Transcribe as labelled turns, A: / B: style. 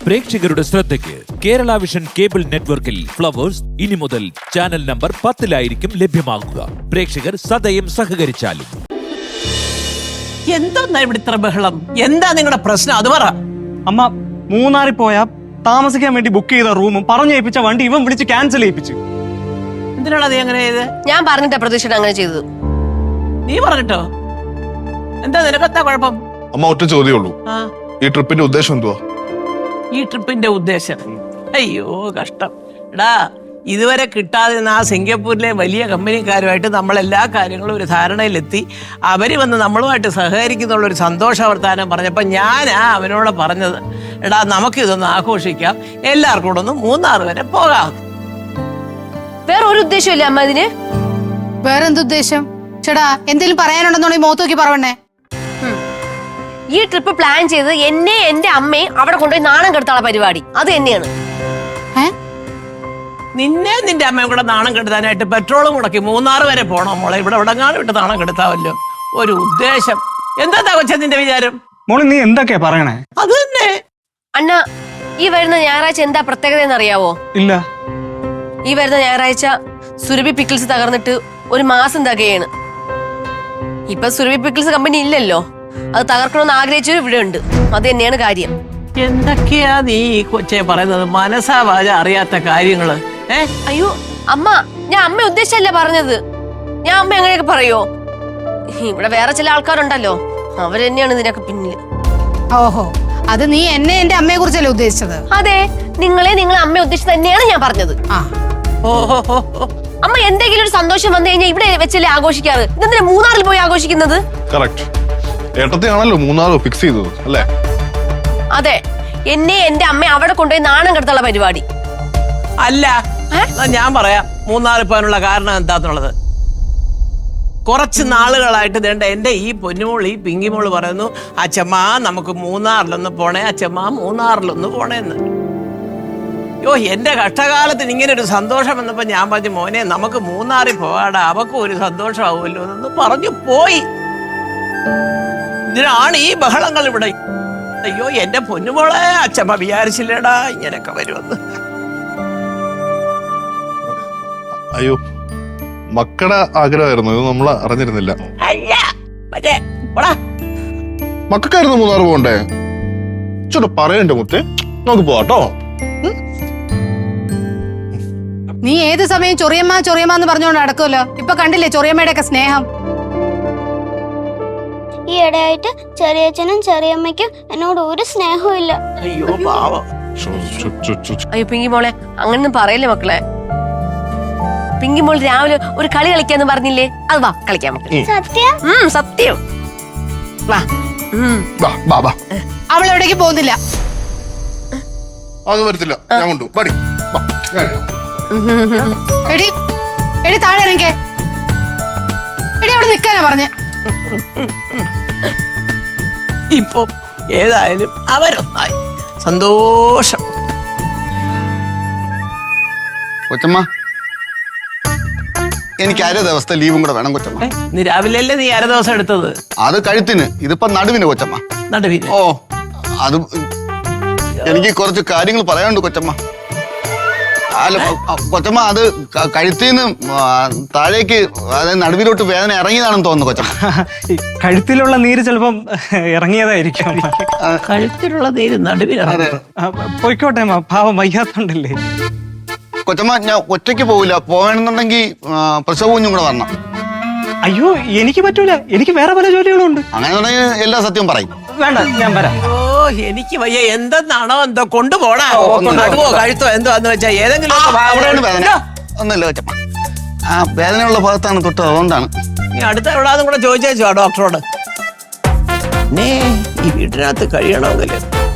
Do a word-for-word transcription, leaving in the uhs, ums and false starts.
A: പ്രേക്ഷകരുടെ ശ്രദ്ധയ്ക്ക് Kerala vision cable നെറ്റ്വർക്കിൽ ഫ്ലവേഴ്സ് ഇനി മുതൽ ചാനൽ നമ്പർ പത്തിലായിരിക്കും ലഭ്യമാകുക. പ്രേക്ഷകർ സദയം സഹകരിച്ചാലും.
B: എന്താ ഇവിടെ ഇത്ര ബഹളം? എന്താ നിങ്ങളുടെ പ്രശ്നം? അത് പറ.
C: അമ്മ, മൂന്നാറിൽ പോയാ താമസിക്കാൻ വേണ്ടി ബുക്ക് ചെയ്ത റൂമും പറഞ്ഞേൽപ്പിച്ച വണ്ടി ഇവൻ വിളിച്ച് ക്യാൻസൽ ചെയ്യിപ്പിച്ചു.
B: എന്തിനാണ് നീ അങ്ങനെ ചെയ്ത്?
D: ഞാൻ പറഞ്ഞിട്ടാ പ്രതീക്ഷ അങ്ങനെ ചെയ്തത്.
B: നീ പറഞ്ഞിട്ടോ? എന്താ നിനക്കെന്താ കുഴപ്പം?
E: അമ്മ, ഒറ്റ ചോദ്യമുള്ളൂ. ഈ ട്രിപ്പിന്റെ ഉദ്ദേശം എന്തുവാ?
B: ഈ ട്രിപ്പിന്റെ ഉദ്ദേശം? അയ്യോ കഷ്ടം. എടാ, ഇതുവരെ കിട്ടാതെ ആ സിംഗപ്പൂരിലെ വലിയ കമ്പനിക്കാരുമായിട്ട് നമ്മൾ എല്ലാ കാര്യങ്ങളും ഒരു ധാരണയിലെത്തി. അവര് വന്ന് നമ്മളുമായിട്ട് സഹകരിക്കുന്നുള്ള ഒരു സന്തോഷ വർത്താനം പറഞ്ഞപ്പോൾ ഞാനാ അവനോട് പറഞ്ഞത്, എടാ നമുക്കിതൊന്ന് ആഘോഷിക്കാം, എല്ലാവർക്കും കൂടെ ഒന്ന് മൂന്നാർ വരെ പോകാം.
D: വേറെ ഒരു ഉദ്ദേശമില്ല അമ്മ ഇതിന്.
F: വേറെന്തുദ്ദേശം? ചേടാ, എന്തെങ്കിലും പറയാനുണ്ടെന്നുണ്ടെങ്കിൽ മുഖത്ത് നോക്കി പറവണേ.
D: ഈ ട്രിപ്പ് പ്ലാൻ ചെയ്ത് എന്നെ എന്റെ അമ്മയെ അവിടെ കൊണ്ടുപോയി നാണം കെടുത്താനുള്ള പരിപാടി അത് തന്നെയാണ്.
B: നിന്നെ നിന്റെ അമ്മയും കൂടെ നാണം കെടുത്താനായിട്ട് പെട്രോളും മുടക്കി മൂന്നാർ വരെ പോണോ മോളെ? ഇവിടെ ഉടങ്ങാനും വിട്ട് നാണം കെടുത്താവല്ലോ. ഒരു ഉദ്ദേശം. എന്താ കൊച്ചെ നിന്റെ വിചാരം?
C: മോളെ, നീ എന്തൊക്കെയാ പറയണേ?
B: അത് തന്നെ
D: അണ്ണ, ഈ വരുന്ന ഞായറാഴ്ച എന്താ പ്രത്യേകത എന്ന് അറിയാവോ?
C: ഇല്ല.
D: ഈ വരുന്ന ഞായറാഴ്ച സുരഭി പിക്കിൾസ് തകർന്നിട്ട് ഒരു മാസം തികയാണ്. ഇപ്പൊ സുരഭി പിക്കിൾസ് കമ്പനി ഇല്ലല്ലോ. അത് തകർക്കണമെന്ന് ആഗ്രഹിച്ചവരും ഇവിടെ ഉണ്ട്. അത് തന്നെയാണ് കാര്യം.
B: എന്തൊക്കെയാ നീ ഈ കൊച്ചെ പറയുന്നത്? മനസ്സാ വാച അറിയാത്ത കാര്യങ്ങള്. ഏ
D: അയ്യോ അമ്മ, ഞാൻ അമ്മ ഉദ്ദേശിച്ചല്ല പറഞ്ഞത്. ഞാൻ അമ്മ എങ്ങനെയൊക്കെ പറയോ? ഇവിടെ വേറെ ചില ആൾക്കാരുണ്ടല്ലോ, അവര് തന്നെയാണ് ഇതിനൊക്കെ പിന്നില്.
F: ഓഹോ, അത് നീ എന്നെ എന്റെ അമ്മയെ കുറിച്ചല്ലേ ഉദ്ദേശിച്ചത്?
D: അതെ, നിങ്ങളെ നിങ്ങളെ അമ്മ ഉദ്ദേശിച്ചത് തന്നെയാണ് ഞാൻ പറഞ്ഞത്.
F: ആ
B: ഓഹോ,
D: അമ്മ എന്തെങ്കിലും ഒരു സന്തോഷം വന്നു കഴിഞ്ഞാൽ ഇവിടെ വെച്ചല്ലേ ആഘോഷിക്കാറ്? ഇതെന്തിനാ മൂന്നാറിൽ പോയി ആഘോഷിക്കുന്നത്?
E: കറക്റ്റ്. ഏട്ടത്തെയാണല്ലോ മൂന്നാർ ഫിക്സ് ചെയ്തത് അല്ലേ?
D: അതെ, എന്നെ എന്റെ അമ്മ അവിടെ കൊണ്ടുപോയി നാണം കെടുത്തുള്ള പരിപാടി
B: അല്ല. ഞാൻ പറയാം മൂന്നാറിൽ പോകാനുള്ള കാരണം എന്താന്നുള്ളത്. കുറച്ച് നാളുകളായിട്ട് വേണ്ട എന്റെ ഈ പൊന്നുമോൾ, ഈ പിങ്കിമോള് പറയുന്നു, അച്ഛമ്മ നമുക്ക് മൂന്നാറിലൊന്ന് പോണേ, അച്ഛമ്മ മൂന്നാറിലൊന്ന് പോണേന്ന്. യോ, എന്റെ കഷ്ടകാലത്തിന് ഇങ്ങനെ ഒരു സന്തോഷം വന്നപ്പോ ഞാൻ പറഞ്ഞു, മോനെ നമുക്ക് മൂന്നാറിൽ പോകാടാ, അവക്കും ഒരു സന്തോഷമാവുമല്ലോ എന്ന് പറഞ്ഞു പോയി. ഇതിനാണ് ഈ ബഹളങ്ങൾ ഇവിടെ. അയ്യോ എന്റെ പൊന്നുമോളെ, അച്ഛമ്മ വിചാരിച്ചില്ലേടാ ഇങ്ങനെയൊക്കെ വരുമെന്ന്.
E: അയ്യോ, മക്കളുടെ ആഗ്രഹമായിരുന്നു, ഇത് നമ്മൾ അറിഞ്ഞിരുന്നില്ല. മക്കൾക്കായിരുന്നു മൂന്നാർ പോകണ്ടേ? ചോട്ട് പറയണ്ടേ മുത്തേ, നമുക്ക് പോവാട്ടോ.
F: നീ ഏത് സമയം ചൊറിയമ്മ ചൊറിയമ്മ എന്ന് പറഞ്ഞുകൊണ്ട് നടക്കുമല്ലോ. ഇപ്പൊ കണ്ടില്ലേ ചൊറിയമ്മയുടെ ഒക്കെ സ്നേഹം?
G: ഈ ഇടയായിട്ട് ചെറിയച്ഛനും ചെറിയമ്മയ്ക്കും എന്നോട് ഒരു സ്നേഹവും ഇല്ല.
B: അയ്യോ പാവം.
D: അയ്യോ പിങ്കി മോളെ, അങ്ങനൊന്നും പറയല്ലേ മക്കളെ. പിങ്കി മോൾ രാവിലെ ഒരു കളി കളിക്കാന്ന് പറഞ്ഞില്ലേ? അത് വാ കളിക്കാൻ മക്കളെ.
G: സത്യം?
D: ഉം സത്യം. വാ.
F: അവൾ എവിടേക്ക് പോകുന്നില്ല.
E: അത് വരത്തില്ല, ഞാൻ കൊണ്ടു പടി.
F: എടി എടി താഴെ ഇറങ്ങിക്കേ. എടി അവിടെ നിൽക്കാനാ പറഞ്ഞേ.
B: ഇപ്പൊ ഏതായാലും അവരൊന്നായി, സന്തോഷം.
H: കൊച്ചമ്മ, എനിക്ക് അര ദിവസത്തെ ലീവും കൂടെ വേണം കൊച്ചമ്മ.
B: നീ രാവിലെ അല്ലേ നീ അര ദിവസം എടുത്തത്?
H: അത് കഴുത്തിന്, ഇതിപ്പോ നടുവിന് കൊച്ചമ്മ.
B: നടുവിന്?
H: ഓ, അത് എനിക്ക് കുറച്ച് കാര്യങ്ങൾ പറയാനുണ്ട് കൊച്ചമ്മ. അല്ല കൊച്ചമ്മ, അത് കഴുത്തിന്ന് താഴേക്ക്, അതായത് നടുവിലോട്ട് വേദന ഇറങ്ങിയതാണെന്ന് തോന്നുന്നു കൊച്ചമ്മ.
C: കഴുത്തിലുള്ള നീര് ചിലപ്പം ഇറങ്ങിയതായിരിക്കും.
B: കഴുത്തിലുള്ള നീര് നടുവിലാണ്.
C: പോയിക്കോട്ടെ അമ്മ, പാവം വയ്യാത്തോണ്ടല്ലേ.
H: കൊച്ചമ്മ, ഞാൻ ഒറ്റയ്ക്ക് പോവില്ല. പോകണമെന്നുണ്ടെങ്കിൽ പ്രസവ കുഞ്ഞും കൂടെ വരണം.
C: അയ്യോ, എനിക്ക് പറ്റൂല, എനിക്ക് വേറെ പല ജോലികളും ഉണ്ട്.
H: അങ്ങനെ എല്ലാ സത്യവും പറയും.
C: വേണ്ട, ഞാൻ വരാം.
B: ഓ, എനിക്ക് വയ്യ. എന്തെന്നാണോ എന്തോ കൊണ്ടുപോടാ, നടുവോ കഴുത്തോ എന്തോ എന്ന് വെച്ചാ ഏതെങ്കിലും
H: വേദന ഒന്നുമില്ല കൊച്ചമ്മ. ആ വേദനയുള്ള ഭാഗത്താണ് തൊട്ട്, അതുകൊണ്ടാണ്.
B: നീ അടുത്ത എവിടാന്നും കൂടെ ചോദിച്ചേച്ചോ ഡോക്ടറോട്. ഈ വീട്ടിനകത്ത് കഴിയണമെങ്കിൽ